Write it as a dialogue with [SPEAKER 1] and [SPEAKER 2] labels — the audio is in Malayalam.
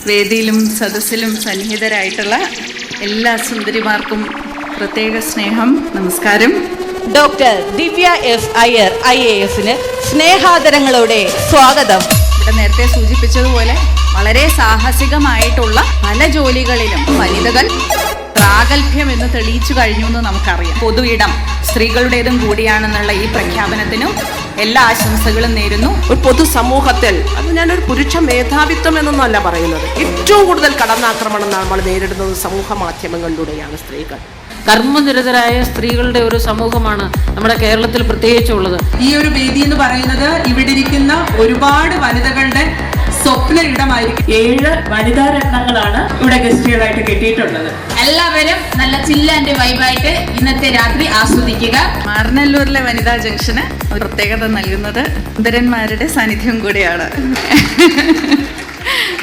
[SPEAKER 1] വേദിയിലും സദസ്സിലും സന്നിഹിതരായിട്ടുള്ള എല്ലാ സുന്ദരിമാർക്കും പ്രത്യേക സ്നേഹം, നമസ്കാരം.
[SPEAKER 2] ഡോക്ടർ ദിവ്യ എസ് അയ്യർ IASന് സ്നേഹാദരങ്ങളോടെ സ്വാഗതം.
[SPEAKER 1] ഇവിടെ നേരത്തെ സൂചിപ്പിച്ചതുപോലെ വളരെ സാഹസികമായിട്ടുള്ള പല ജോലികളിലും വനിതകൾ പ്രാഗൽഭ്യം എന്ന് തെളിയിച്ചു കഴിഞ്ഞു എന്ന് നമുക്കറിയാം. പൊതു ഇടം സ്ത്രീകളുടേതും കൂടിയാണെന്നുള്ള ഈ പ്രഖ്യാപനത്തിനും എല്ലാ ആശംസകളും നേരുന്നു.
[SPEAKER 3] ഒരു പൊതുസമൂഹത്തിൽ അത് ഞാനൊരു പുരുഷ മേധാവിത്വം എന്നൊന്നല്ല പറയുന്നത്, ഏറ്റവും കൂടുതൽ കടന്നാക്രമണം നമ്മൾ നേരിടുന്നത് സമൂഹ മാധ്യമങ്ങളിലൂടെയാണ് സ്ത്രീകൾ.
[SPEAKER 4] കർമ്മനിരതരായ സ്ത്രീകളുടെ ഒരു സമൂഹമാണ് നമ്മുടെ കേരളത്തിൽ പ്രത്യേകിച്ചുള്ളത്.
[SPEAKER 5] ഈ ഒരു വേദി എന്ന് പറയുന്നത് ഇവിടെ ഇരിക്കുന്ന ഒരുപാട് വനിതകളുടെ സ്വപ്ന ഇടമായിരിക്കും. 7 വനിതാ രത്നങ്ങളാണ് ഇവിടെ ഗസ്റ്റുകളായിട്ട് കിട്ടിയിട്ടുള്ളത്.
[SPEAKER 6] എല്ലാവരും നല്ല ചില്ല് ആൻഡ് വൈബായിട്ട് ഇന്നത്തെ രാത്രി ആസ്വദിക്കുക.
[SPEAKER 1] മാറനല്ലൂരിലെ വനിതാ ജംഗ്ഷന് ഒരു പ്രത്യേകത നൽകുന്നത് സുന്ദരന്മാരുടെ സാന്നിധ്യം കൂടിയാണ്.